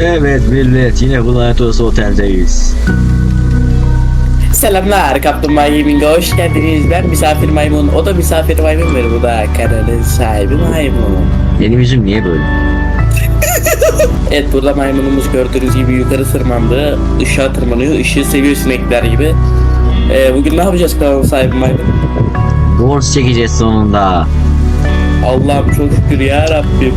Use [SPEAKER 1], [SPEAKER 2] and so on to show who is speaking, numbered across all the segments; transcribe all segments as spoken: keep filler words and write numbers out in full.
[SPEAKER 1] Evet millet, yine bu lanet olası oteldeyiz.
[SPEAKER 2] Selamlar Kaplumbağa Gaming'e hoş geldiniz. Ben misafir maymun, o da misafir maymun ve bu da kanalın sahibi maymun.
[SPEAKER 1] Benim yüzüm niye böyle?
[SPEAKER 2] Evet, burada maymunumuz gördüğünüz gibi yukarı tırmandı. Işığa tırmanıyor, ışığı seviyor sinekler gibi. Ee, bugün ne yapacağız kanalın sahibi maymun?
[SPEAKER 1] Borç çekeceğiz sonunda.
[SPEAKER 2] Allah'ım çok şükür ya Rabbim.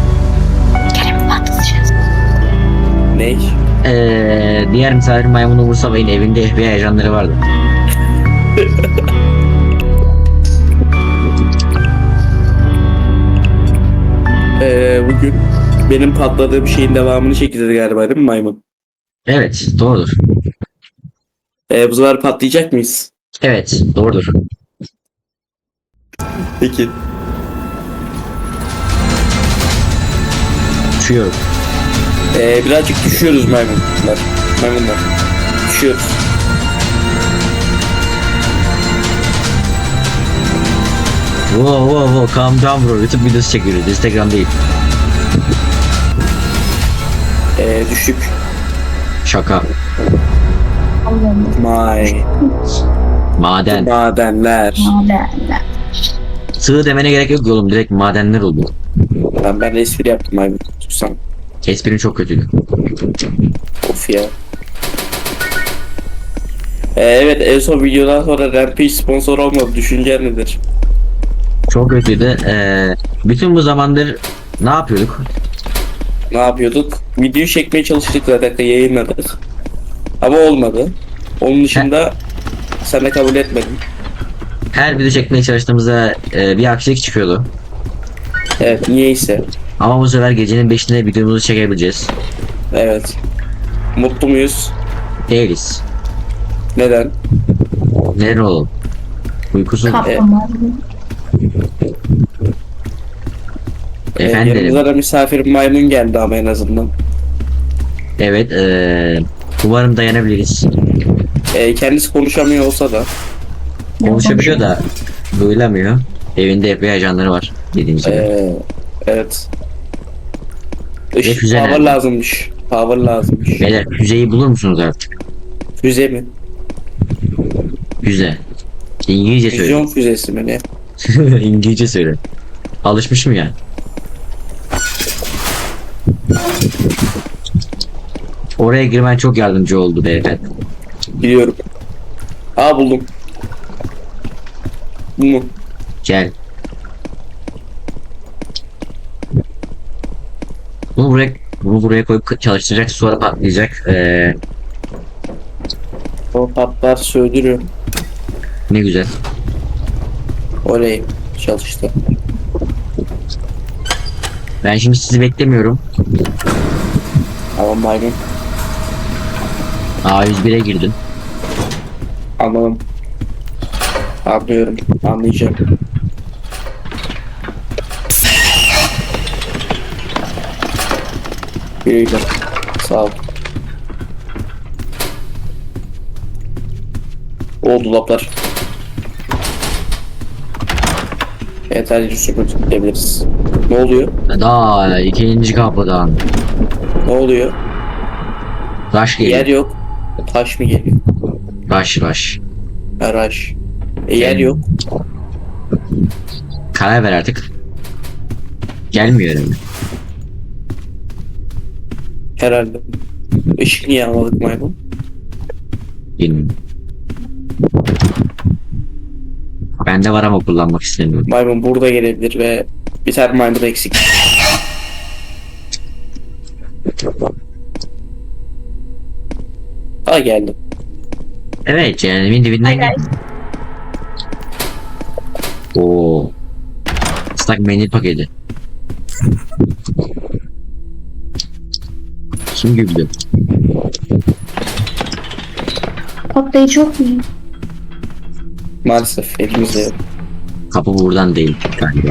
[SPEAKER 2] Ne?
[SPEAKER 1] Ee, diğer misafir maymunu Musa Bey'in evinde F B I ajanları vardı.
[SPEAKER 2] Ee, bugün benim patladığım şeyin devamını çekeceğiz galiba, değil mi maymun?
[SPEAKER 1] Evet, doğrudur.
[SPEAKER 2] Ee, bu sefer patlayacak mıyız?
[SPEAKER 1] Evet, doğrudur.
[SPEAKER 2] Peki.
[SPEAKER 1] Uçuyorum.
[SPEAKER 2] Ee, birazcık düşüyoruz maymunlar. Maymunlar. Düşüyoruz.
[SPEAKER 1] Wow wow wow, calm down bro. YouTube videosu çekiyoruz, Instagram değil.
[SPEAKER 2] Ee, düştük.
[SPEAKER 1] Şaka.
[SPEAKER 2] May.
[SPEAKER 1] Maden.
[SPEAKER 2] Madenler.
[SPEAKER 3] Madenler.
[SPEAKER 1] Sığ demene gerek yok oğlum, direkt madenler oldu.
[SPEAKER 2] Ben, ben de espri yaptım maymun. Susam.
[SPEAKER 1] Esprin çok kötüydü.
[SPEAKER 2] Of ya. Ee, evet, en son videodan sonra Rampage sponsor olmadı. Düşüncen nedir?
[SPEAKER 1] Çok kötüydü. Ee, bütün bu zamandır ne yapıyorduk?
[SPEAKER 2] Ne yapıyorduk? Video çekmeye çalıştık zaten, yayınladık. Ama olmadı. Onun dışında sen de kabul etmedin.
[SPEAKER 1] Her video çekmeye çalıştığımızda e, bir aksilik çıkıyordu.
[SPEAKER 2] Evet, niyeyse.
[SPEAKER 1] Ama bu sefer gecenin beşinde videomuzu çekebileceğiz.
[SPEAKER 2] Evet. Mutlu muyuz?
[SPEAKER 1] Değiliz.
[SPEAKER 2] Neden?
[SPEAKER 1] Neden oğlum? Uykusuz.
[SPEAKER 3] Kaplumbağa.
[SPEAKER 2] Ee,
[SPEAKER 1] Efendim.
[SPEAKER 2] yanımıza da misafir maymun geldi ama en azından.
[SPEAKER 1] Evet. E, umarım dayanabiliriz.
[SPEAKER 2] Ee, kendisi konuşamıyor olsa da.
[SPEAKER 1] Konuşabiliyor da duyulamıyor. Evinde F B I ajanları var. Dediğim gibi.
[SPEAKER 2] Ee, evet.
[SPEAKER 1] Ve
[SPEAKER 2] Işık
[SPEAKER 1] füze
[SPEAKER 2] power
[SPEAKER 1] nerede?
[SPEAKER 2] lazımmış. Power lazımmış.
[SPEAKER 1] Beyler füzeyi bulur musunuz artık?
[SPEAKER 2] Füze mi?
[SPEAKER 1] Füze. İngilizce söyle.
[SPEAKER 2] Füzyon füzesi mi ne?
[SPEAKER 1] İngilizce söyle. Alışmışım ya. Oraya girmen çok yardımcı oldu beyefendi.
[SPEAKER 2] Biliyorum. Aa, buldum. Bu mu?
[SPEAKER 1] Gel. Bunu buraya bunu buraya koyup çalıştıracak, sonra patlayacak. Ee,
[SPEAKER 2] O patlar söndürüyor.
[SPEAKER 1] ne güzel.
[SPEAKER 2] Oley. Çalıştı.
[SPEAKER 1] Ben şimdi sizi beklemiyorum.
[SPEAKER 2] Tamam maymun.
[SPEAKER 1] A yüz bire girdim.
[SPEAKER 2] Anladım. Anlıyorum. Anlayacağım. Güle sağ ol. O dolaplar. Yeterli süpürge gidebiliriz. Ne oluyor?
[SPEAKER 1] Daha ikinci kapıdan.
[SPEAKER 2] Ne oluyor?
[SPEAKER 1] Taş
[SPEAKER 2] Yer
[SPEAKER 1] geliyor.
[SPEAKER 2] yok. Taş mı geliyor?
[SPEAKER 1] Baş baş.
[SPEAKER 2] Araç. E, yer yok.
[SPEAKER 1] Karar ver artık. Gelmiyor önüme.
[SPEAKER 2] Herhalde. Işık niye almadık maymun?
[SPEAKER 1] Bilmiyorum. Bende var ama kullanmak istemiyorum.
[SPEAKER 2] Maymun burada gelebilir ve bir tane maymun eksik. Ha, geldim.
[SPEAKER 1] Evet, cehennemin dibinden
[SPEAKER 3] Hayır.
[SPEAKER 1] gel. Oo. Islak mendil paketi. Kim güldü?
[SPEAKER 3] Patlayıcı yok mu?
[SPEAKER 2] Maalesef elimizde yok.
[SPEAKER 1] Kapı buradan değil galiba.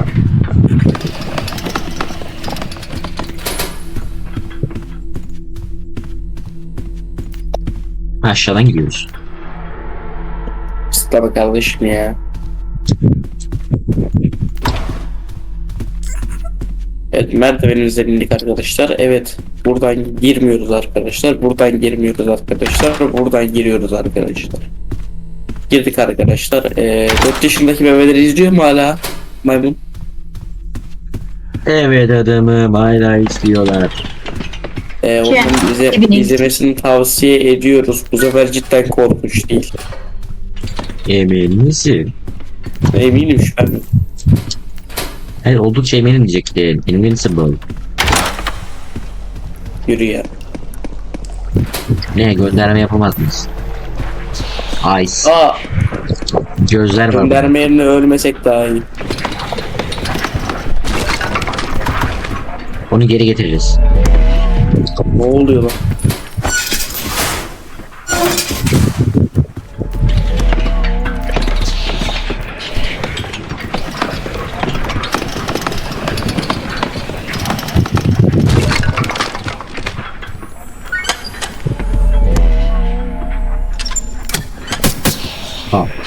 [SPEAKER 1] Aşağıdan gidiyoruz.
[SPEAKER 2] Tabii kardeşim ya. Evet, merdivenimize bindik arkadaşlar. Evet, buradan girmiyoruz arkadaşlar. Buradan girmiyoruz arkadaşlar. Buradan giriyoruz arkadaşlar. Girdik arkadaşlar. Ee, dört yaşındaki bebeleri izliyor mu hala maymun?
[SPEAKER 1] Evet adamım hala istiyorlar.
[SPEAKER 2] Ee,
[SPEAKER 3] Şey,
[SPEAKER 2] onun bize
[SPEAKER 3] evine
[SPEAKER 2] izlemesini tavsiye ediyoruz. Bu sefer cidden korkunç değil.
[SPEAKER 1] Emin misin?
[SPEAKER 2] Eminim şu an.
[SPEAKER 1] Hayır oldukça eminim diyecektim. Invincible.
[SPEAKER 2] Yürü ya.
[SPEAKER 1] Ne gönderme yapamaz mıyız? Ice.
[SPEAKER 2] Aa,
[SPEAKER 1] Gözler var.
[SPEAKER 2] gönderme yerine ölmesek daha iyi.
[SPEAKER 1] Onu geri getireceğiz.
[SPEAKER 2] Ne oluyor lan?
[SPEAKER 1] Ha.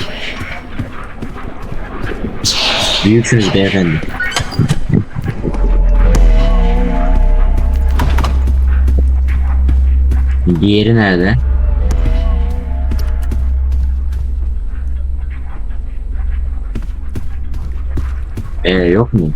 [SPEAKER 1] Büyüksünüz beyefendi. Diğeri nerede? Ee yok mu?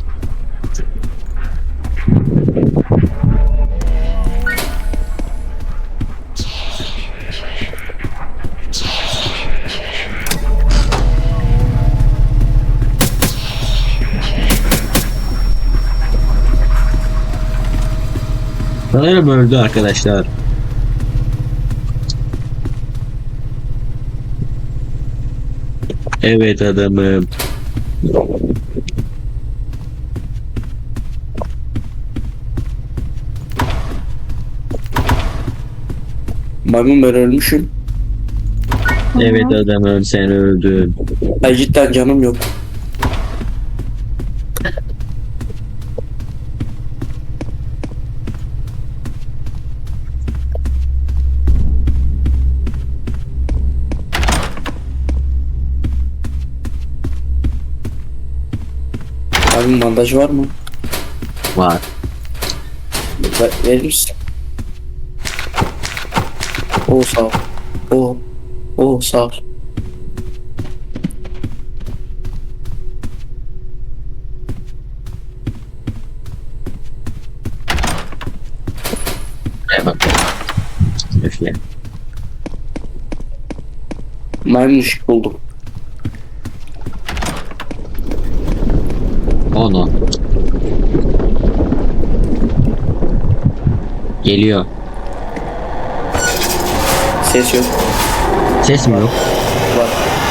[SPEAKER 1] Sanırım öldü arkadaşlar. Evet adamım.
[SPEAKER 2] Maymun, ben ölmüşüm.
[SPEAKER 1] Evet adamım sen öldün.
[SPEAKER 2] Ay cidden canım yok. Maymun, bandaj var mı?
[SPEAKER 1] Var.
[SPEAKER 2] Ver, verir misin? Oo sağ ol. Oo. Oo sağ ol.
[SPEAKER 1] Buraya bak. Öfle.
[SPEAKER 2] Maymun ışık buldum.
[SPEAKER 1] Onu. Geliyor.
[SPEAKER 2] Ses yok.
[SPEAKER 1] Ses mi yok?
[SPEAKER 2] Var.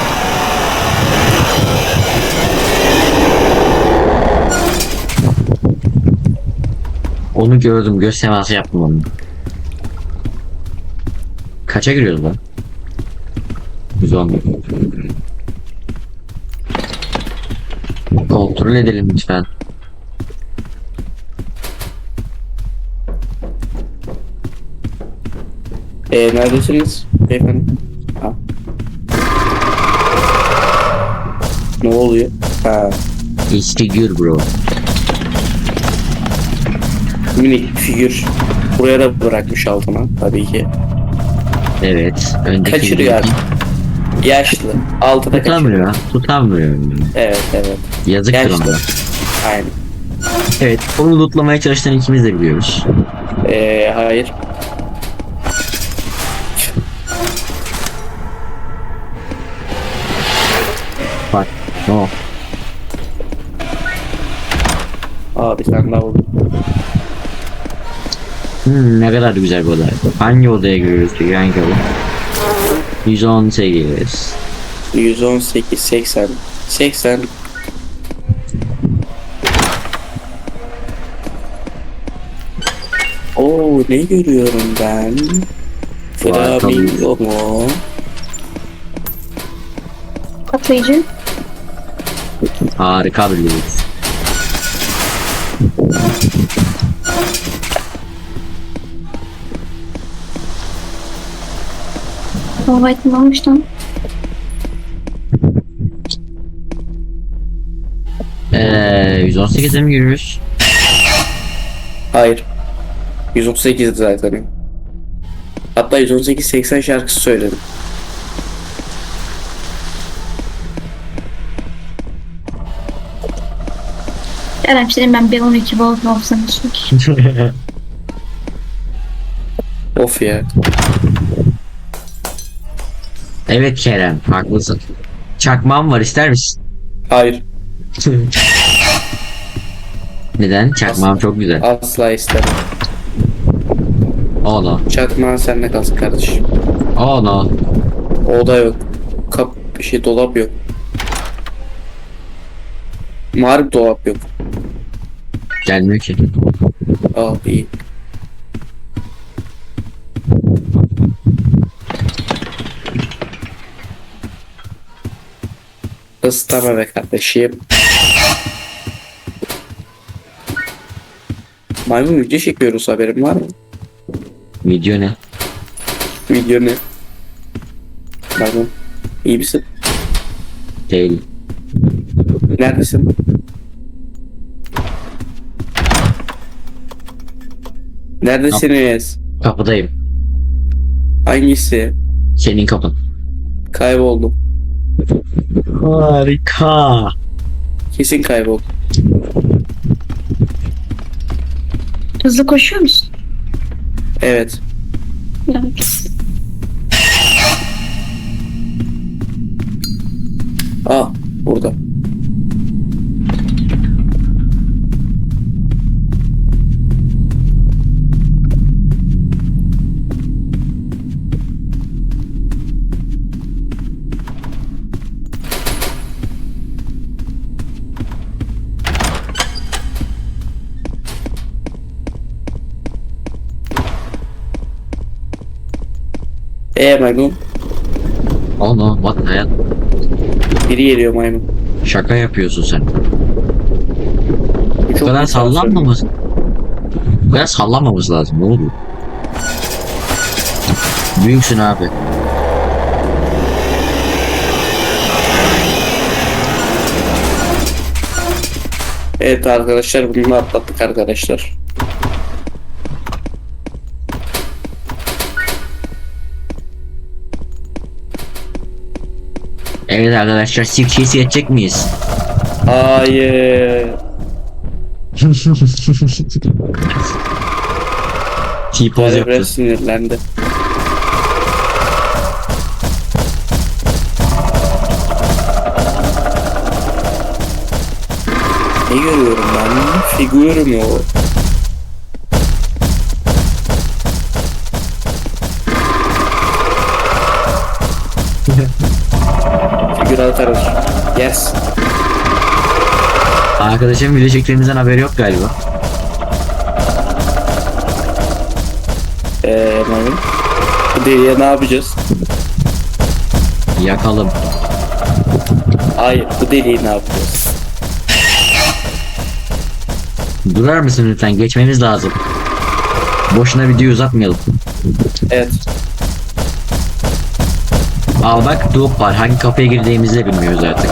[SPEAKER 1] Onu gördüm. Göz teması yaptım onu. Kaça giriyoruz lan? yüz on. Kontrol edelim lütfen.
[SPEAKER 2] Ee, neredesiniz beyefendi? Ha. Ne oluyor? Ha.
[SPEAKER 1] It's figure bro.
[SPEAKER 2] Minik figür. Buraya da bırakmış altına tabii ki.
[SPEAKER 1] Evet. Öndeki
[SPEAKER 2] Kaçırıyor abi. Yaşlı. Altına kaçırıyor.
[SPEAKER 1] Tutamıyor. Tutamıyor.
[SPEAKER 2] Evet evet.
[SPEAKER 1] Yazıktır
[SPEAKER 2] Yaşlı.
[SPEAKER 1] ona.
[SPEAKER 2] Aynen.
[SPEAKER 1] Evet. Onu lootlamaya çalışan ikimiz de biliyoruz.
[SPEAKER 2] Ee, hayır.
[SPEAKER 1] Bak. No.
[SPEAKER 2] Abi sen daha vurdun.
[SPEAKER 1] Hmm, ne kadar güzel bir oda. Hangi odaya giriyoruz peki? Hangi oda? yüz on sekiz.
[SPEAKER 2] yüz on sekiz, seksen. seksen. Oo, ne görüyorum ben? Flamingo mu?
[SPEAKER 3] Patlayıcı.
[SPEAKER 1] Harika bir loot.
[SPEAKER 3] Hava aydınlanmış lan.
[SPEAKER 1] Eee yüz on sekize mi giriyoruz?
[SPEAKER 2] Hayır. yüz otuz sekiz zaten. Hatta yüz on sekiz seksen şarkısı söyledim.
[SPEAKER 3] Kerem senin ben bir on iki volt olsam çünkü.
[SPEAKER 2] Of ya.
[SPEAKER 1] Evet Kerem, haklısın. Çakmağım var, ister misin?
[SPEAKER 2] Hayır.
[SPEAKER 1] Neden? Çakmağım çok güzel.
[SPEAKER 2] Asla istemem.
[SPEAKER 1] Oh no.
[SPEAKER 2] Çakmağın seninle kalsın kardeşim.
[SPEAKER 1] Oh no.
[SPEAKER 2] Oda yok. Kap bir şey dolap yok. Mağara dolap yok.
[SPEAKER 1] Gelmiyor ki.
[SPEAKER 2] Aa iyi. Istama be kardeşim. Maymun video çekiyoruz, haberin var mı?
[SPEAKER 1] Video ne?
[SPEAKER 2] Video ne? Maymun. İyi misin?
[SPEAKER 1] Değil.
[SPEAKER 2] Neredesin? Neredesiniz?
[SPEAKER 1] Kapıdayım.
[SPEAKER 2] Hangisi?
[SPEAKER 1] Senin kapın.
[SPEAKER 2] Kayboldum.
[SPEAKER 1] Harika.
[SPEAKER 2] Kesin kayboldum.
[SPEAKER 3] Hızlı koşuyor musun?
[SPEAKER 2] Evet.
[SPEAKER 3] Evet.
[SPEAKER 2] Aa, burada. Eee maymun.
[SPEAKER 1] Oh no, what the hell?
[SPEAKER 2] Biri geliyor maymun.
[SPEAKER 1] Şaka yapıyorsun sen.
[SPEAKER 2] Bu
[SPEAKER 1] Bu
[SPEAKER 2] çok
[SPEAKER 1] kadar
[SPEAKER 2] güzel
[SPEAKER 1] sallanmamız. Bu kadar sallanmamız lazım. Ne oluyor? Büyüksün abi.
[SPEAKER 2] Evet arkadaşlar, bunu atlattık arkadaşlar.
[SPEAKER 1] Evet arkadaşlar, sirkeyi yetecek miyiz?
[SPEAKER 2] Hayır.
[SPEAKER 1] T-pose
[SPEAKER 2] Böyle
[SPEAKER 1] yaptı.
[SPEAKER 2] biraz sinirlendi. Ne görüyorum ben? Figür mü o? Figür atarız. Yes.
[SPEAKER 1] Arkadaşım video çektiğimizden haberi yok galiba.
[SPEAKER 2] Eee maymun. Bu deliye ne yapacağız?
[SPEAKER 1] Yakalım.
[SPEAKER 2] Hayır, bu deliği ne yapacağız?
[SPEAKER 1] Durar mısın lütfen? Geçmemiz lazım. Boşuna videoyu uzatmayalım.
[SPEAKER 2] Evet.
[SPEAKER 1] Al bak, duop var. Hangi kapıya girdiğimizi de bilmiyoruz artık.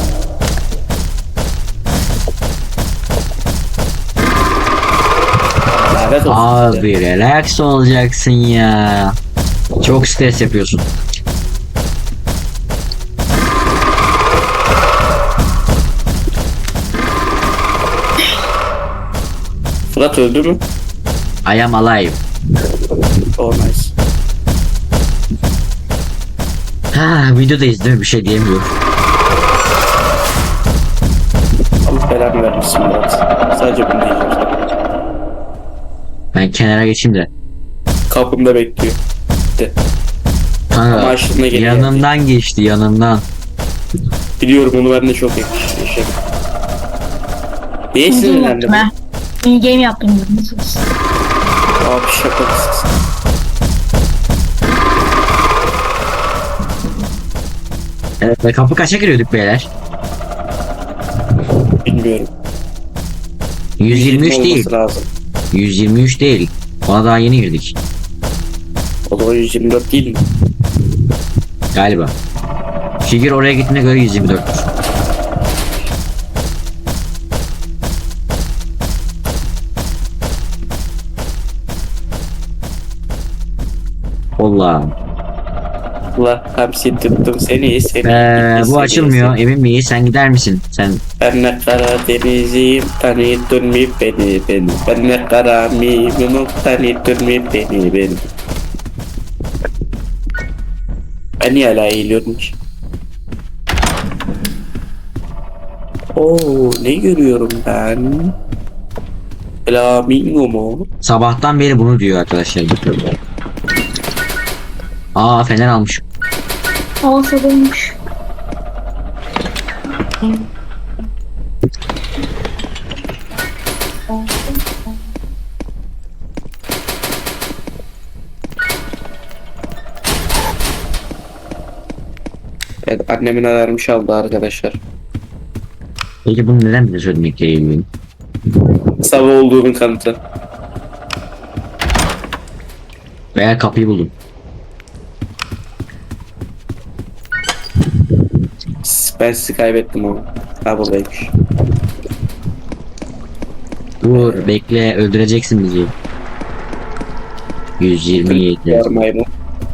[SPEAKER 2] Lanet olsun.
[SPEAKER 1] Abi relax olacaksın ya. Çok stres yapıyorsun.
[SPEAKER 2] Fırat öldü mü?
[SPEAKER 1] I am alive.
[SPEAKER 2] Oh nice.
[SPEAKER 1] Ha, videodayız değil mi? Bir şey diyemiyorum.
[SPEAKER 2] Allah belanı vermişsin Murat. Sadece bunu diyeceğim sana.
[SPEAKER 1] Ben kenara geçeyim de.
[SPEAKER 2] Kapımda bekliyor. De. Ama
[SPEAKER 1] Kanka,
[SPEAKER 2] aşkına geri
[SPEAKER 1] yanımdan geçti, yanımdan.
[SPEAKER 2] Biliyorum, onu ben de çok yakış- yaşadım. Niye
[SPEAKER 3] İyi game
[SPEAKER 2] sinirlendin?
[SPEAKER 3] yaptım ha. İyi game yaptım diyorsunuz.
[SPEAKER 2] Abi şaka mısın?
[SPEAKER 1] Evet, ve kapı kaça giriyorduk beyler?
[SPEAKER 2] Bilmiyorum.
[SPEAKER 1] yüz yirmi üç
[SPEAKER 2] olması
[SPEAKER 1] değil.
[SPEAKER 2] lazım.
[SPEAKER 1] yüz yirmi üç değil. Ona daha yeni girdik.
[SPEAKER 2] O zaman yüz yirmi dört değil mi?
[SPEAKER 1] Galiba. Figür oraya gittiğine göre yüz yirmi dört'tür. Allah.
[SPEAKER 2] Allah hapsettim seni seni.
[SPEAKER 1] Ee, bu
[SPEAKER 2] seni,
[SPEAKER 1] açılmıyor.
[SPEAKER 2] seni.
[SPEAKER 1] Emin miyiz? Sen gider misin? Sen
[SPEAKER 2] Ben ne Karadenizliyim tanıdın mı beni beni. Ben ne kara miyim tanıdın mı beni beni. Ben niye hala eğiliyorum ki? Oo ne görüyorum ben? Flamingo mu?
[SPEAKER 1] sabahtan beri bunu diyor arkadaşlar. Aa fener almış.
[SPEAKER 3] Olsa dolmuş.
[SPEAKER 2] Evet annemin alarmış aldı arkadaşlar.
[SPEAKER 1] Peki bunu neden bize söylemek gerekiyor?
[SPEAKER 2] Sabah olduğunun kanıtı.
[SPEAKER 1] Veya kapıyı buldum.
[SPEAKER 2] Ben sizi kaybettim onu. Ha buradaymış.
[SPEAKER 1] Dur bekle öldüreceksin bizi. yüz yirmi yedi.
[SPEAKER 2] Yarmayı mı?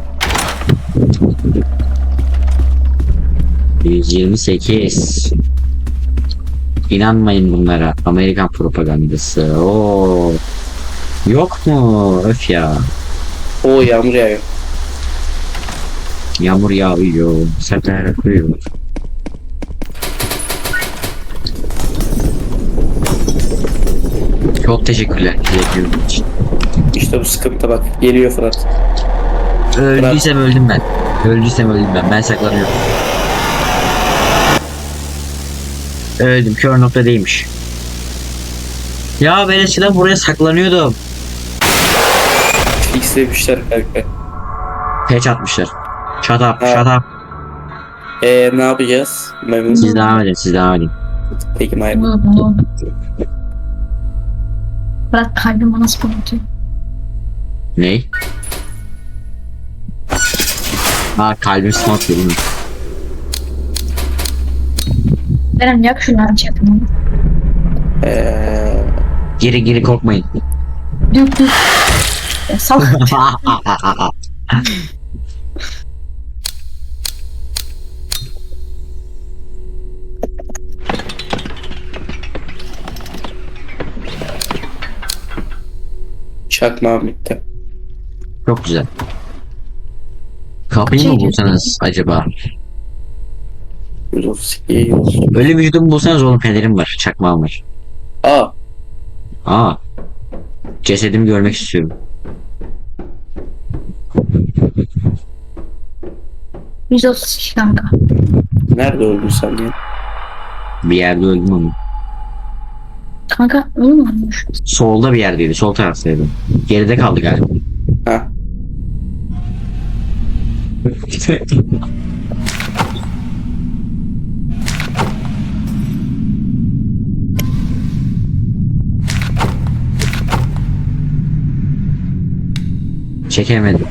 [SPEAKER 1] yüz yirmi sekiz. İnanmayın bunlara. Amerikan propagandası. Oo. Yok mu? Öf ya.
[SPEAKER 2] Oo yağmur yağıyor.
[SPEAKER 1] Yağmur yağıyor. Sertler akıyor. Çok teşekkürler. Teşekkür için.
[SPEAKER 2] İşte bu sıkıntı bak. Geliyor Fırat.
[SPEAKER 1] Öldüysem öldüm ben. Öldüysem öldüm ben. Ben saklanıyorum. Öldüm. Kör nokta değilmiş. Ya ben eskiden buraya saklanıyordum.
[SPEAKER 2] X demişler kanka.
[SPEAKER 1] Patch atmışlar. Shut up,
[SPEAKER 2] Ha.
[SPEAKER 1] shut up.
[SPEAKER 2] Eee ne yapacağız? Memnun.
[SPEAKER 1] Siz devam edin, siz devam edin.
[SPEAKER 2] Peki Mayra.
[SPEAKER 3] Bırak kalbim bana spamlatıyor.
[SPEAKER 1] Ney? Ha kalbim smart değil mi?
[SPEAKER 3] Benim yak şunları çakımı.
[SPEAKER 2] Eee
[SPEAKER 1] Geri geri korkmayın.
[SPEAKER 3] Dük dük. Ya salak.
[SPEAKER 2] çakmağım bitti.
[SPEAKER 1] Çok güzel. Kapıyı mı
[SPEAKER 3] Şey-
[SPEAKER 1] bulsanız acaba?
[SPEAKER 2] yüz otuz iki yüz.
[SPEAKER 1] Öyle vücudumu bulsanız oğlum fenerim var, çakmağım var.
[SPEAKER 2] Aa
[SPEAKER 1] Aa. Cesedimi görmek istiyorum.
[SPEAKER 3] yüz otuz iki kanka.
[SPEAKER 2] nerede öldün sen ya?
[SPEAKER 1] Bir yerde öldüm ama.
[SPEAKER 3] Kanka öyle mi olmuş?
[SPEAKER 1] Solda bir yerdeydi, sol taraftaydı. Geride kaldı galiba.
[SPEAKER 2] Ha.
[SPEAKER 1] Çekemedim.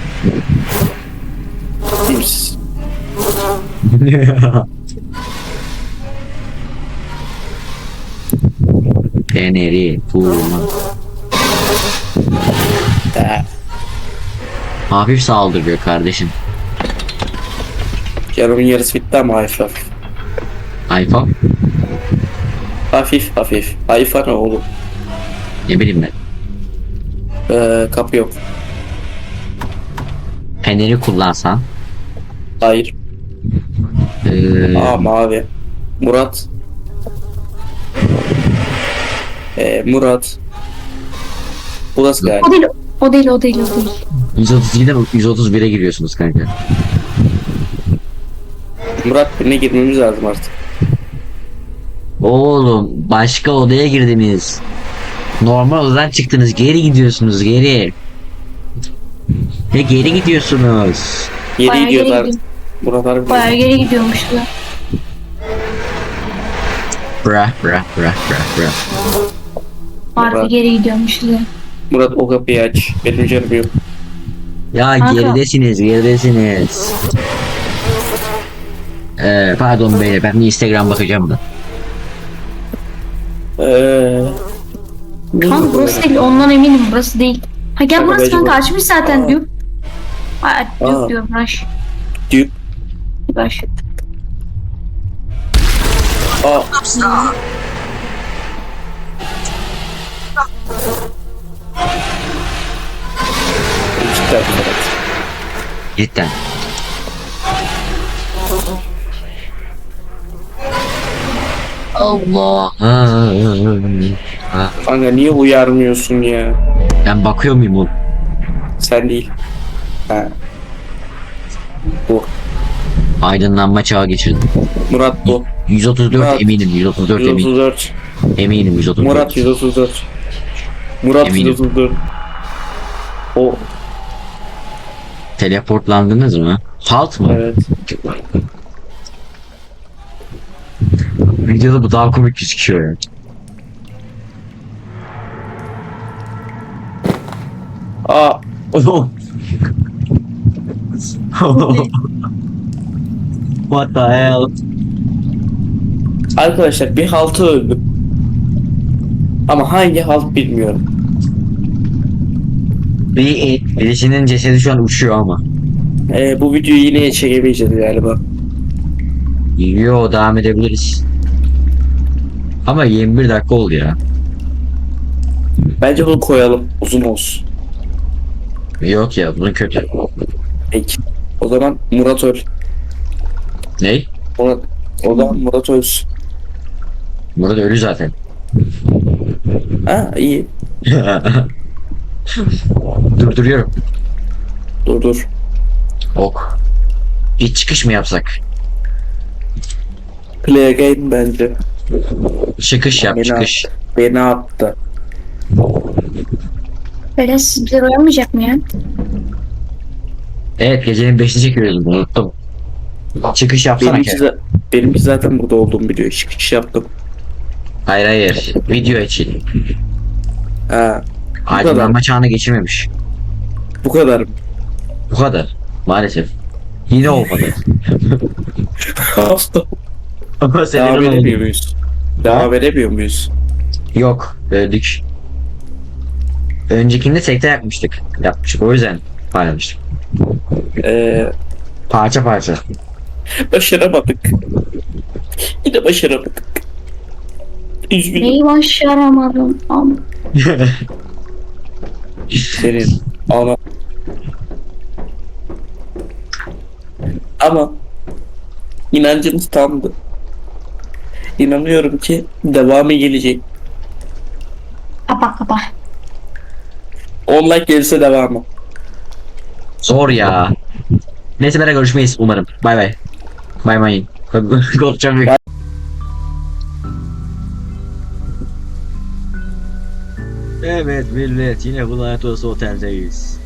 [SPEAKER 2] Kimsiz.
[SPEAKER 1] Feneri, vurma.
[SPEAKER 2] Da.
[SPEAKER 1] Hafif saldırıyor kardeşim.
[SPEAKER 2] Canımın yarısı bitti ama hafif hafif.
[SPEAKER 1] iPhone?
[SPEAKER 2] Hafif hafif. Hayfa ne oğlum?
[SPEAKER 1] Ne bileyim ben.
[SPEAKER 2] Ee, kapı yok.
[SPEAKER 1] Feneri kullansan.
[SPEAKER 2] Hayır.
[SPEAKER 1] Ee,
[SPEAKER 2] Aa mavi. Murat. Ee, Murat. Burası galiba.
[SPEAKER 3] O değil, o değil, o değil, o değil.
[SPEAKER 1] yüz otuz ikide yüz otuz bire giriyorsunuz kanka.
[SPEAKER 2] Murat birine girmemiz lazım artık.
[SPEAKER 1] Oğlum başka odaya girdiniz. Normal odadan çıktınız. Geri gidiyorsunuz geri. Ve geri gidiyorsunuz.
[SPEAKER 2] Yedi
[SPEAKER 3] Bayağı
[SPEAKER 2] gidiyoruz
[SPEAKER 3] geri
[SPEAKER 2] artık.
[SPEAKER 3] gidiyor.
[SPEAKER 2] Murat harbi.
[SPEAKER 3] Bayağı geri gidiyormuşlar.
[SPEAKER 1] Bra bra bra bra bra.
[SPEAKER 3] Harbi
[SPEAKER 2] Murat.
[SPEAKER 3] geri gidiyormuşlar.
[SPEAKER 2] Murat o kapıyı aç. Benim canım yok.
[SPEAKER 1] Ya
[SPEAKER 3] Kanka.
[SPEAKER 1] geridesiniz geridesiniz. Ee, pardon beyler ben bir Instagram bakacağım da.
[SPEAKER 2] Eee...
[SPEAKER 3] Kanka burası değil, ondan eminim burası değil. Ha gel
[SPEAKER 2] Kanka
[SPEAKER 3] burası
[SPEAKER 2] bence
[SPEAKER 3] kanka
[SPEAKER 2] bu-
[SPEAKER 3] açmış zaten
[SPEAKER 2] Aa.
[SPEAKER 3] diyor. Aa,
[SPEAKER 2] Aa.
[SPEAKER 3] Duke diyor Rush.
[SPEAKER 2] Duke.
[SPEAKER 3] Rush.
[SPEAKER 2] Aa. Cidden Ferhat.
[SPEAKER 1] Cidden. Allah.
[SPEAKER 2] Kanka niye uyarmıyorsun ya?
[SPEAKER 1] Ben bakıyor muyum oğlum?
[SPEAKER 2] Sen değil. Ha. Bu.
[SPEAKER 1] Aydınlanma çağı geçirdim.
[SPEAKER 2] Murat bu.
[SPEAKER 1] yüz otuz dört
[SPEAKER 2] Murat.
[SPEAKER 1] eminim, yüz otuz dört eminim.
[SPEAKER 2] yüz otuz dört.
[SPEAKER 1] Eminim yüz otuz dört.
[SPEAKER 2] Murat yüz otuz dört. Murat
[SPEAKER 1] Eminim.
[SPEAKER 2] yüz otuz dört. O.
[SPEAKER 1] Teleportlandınız mı? Halt mı?
[SPEAKER 2] Evet.
[SPEAKER 1] Videoda bu daha komik gözüküyor ya.
[SPEAKER 2] Aa.
[SPEAKER 1] What the hell?
[SPEAKER 2] Arkadaşlar bir haltı öldüm. Ama hangi halt bilmiyorum.
[SPEAKER 1] Bir birisinin cesedi şu an uçuyor ama.
[SPEAKER 2] Ee, bu videoyu yine çekemeyeceğiz galiba.
[SPEAKER 1] Yo, devam edebiliriz. Ama yirmi bir dakika oldu ya.
[SPEAKER 2] Bence bunu koyalım. Uzun olsun.
[SPEAKER 1] Yok ya, bunun kötü.
[SPEAKER 2] Peki. O zaman Murat öl.
[SPEAKER 1] Ney?
[SPEAKER 2] Murat. O zaman Murat ölsün.
[SPEAKER 1] Burada ölü zaten.
[SPEAKER 2] Ha iyi.
[SPEAKER 1] Durduruyorum.
[SPEAKER 2] Dur dur.
[SPEAKER 1] Ok. İç çıkış mı yapsak?
[SPEAKER 2] Play again bence.
[SPEAKER 1] Çıkış yap,
[SPEAKER 2] Beni
[SPEAKER 1] çıkış.
[SPEAKER 2] attı. Beni attı.
[SPEAKER 3] Böyle sizler uyanmayacak mı ya?
[SPEAKER 1] Evet, gecenin beşini çekiyoruz, unuttum. Çıkış yapsana
[SPEAKER 2] Benimki,
[SPEAKER 1] ki.
[SPEAKER 2] za- benimki zaten burada olduğumu biliyor. Çıkış yaptım.
[SPEAKER 1] Hayır hayır. Video için.
[SPEAKER 2] Ha.
[SPEAKER 1] Aydınlanma çağına geçirmemiş.
[SPEAKER 2] Bu kadar mı?
[SPEAKER 1] Bu kadar. Maalesef. Yine olmadı.
[SPEAKER 2] Hasta.
[SPEAKER 1] Ama
[SPEAKER 2] Devam
[SPEAKER 1] senin
[SPEAKER 2] veremiyor
[SPEAKER 1] oldu.
[SPEAKER 2] muyuz? Devam veremiyor muyuz?
[SPEAKER 1] Yok. Öldük. Öncekinde tekte yapmıştık. Yapmıştık. O yüzden paylaştık.
[SPEAKER 2] Ee,
[SPEAKER 1] Parça parça.
[SPEAKER 2] başaramadık. Yine başaramadık. Üzgünüm.
[SPEAKER 3] Neyi başaramadım ama.
[SPEAKER 2] Senin ana. Ama inancımız tamdı. İnanıyorum ki devamı gelecek.
[SPEAKER 3] Kapa kapa.
[SPEAKER 2] on like gelirse devamı.
[SPEAKER 1] Zor ya. Neyse, beraber görüşmeyiz umarım. Bay bay. Bay bay. Korkacağım. Evet millet, yine bu lanet olası oteldeyiz.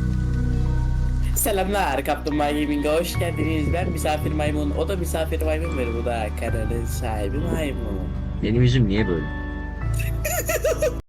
[SPEAKER 2] Selamlar Kaplumbağa Gaming'e hoş geldiniz. Ben misafir maymun. O da misafir maymun ve bu da kanalın sahibi maymun.
[SPEAKER 1] Benim yüzüm niye böyle?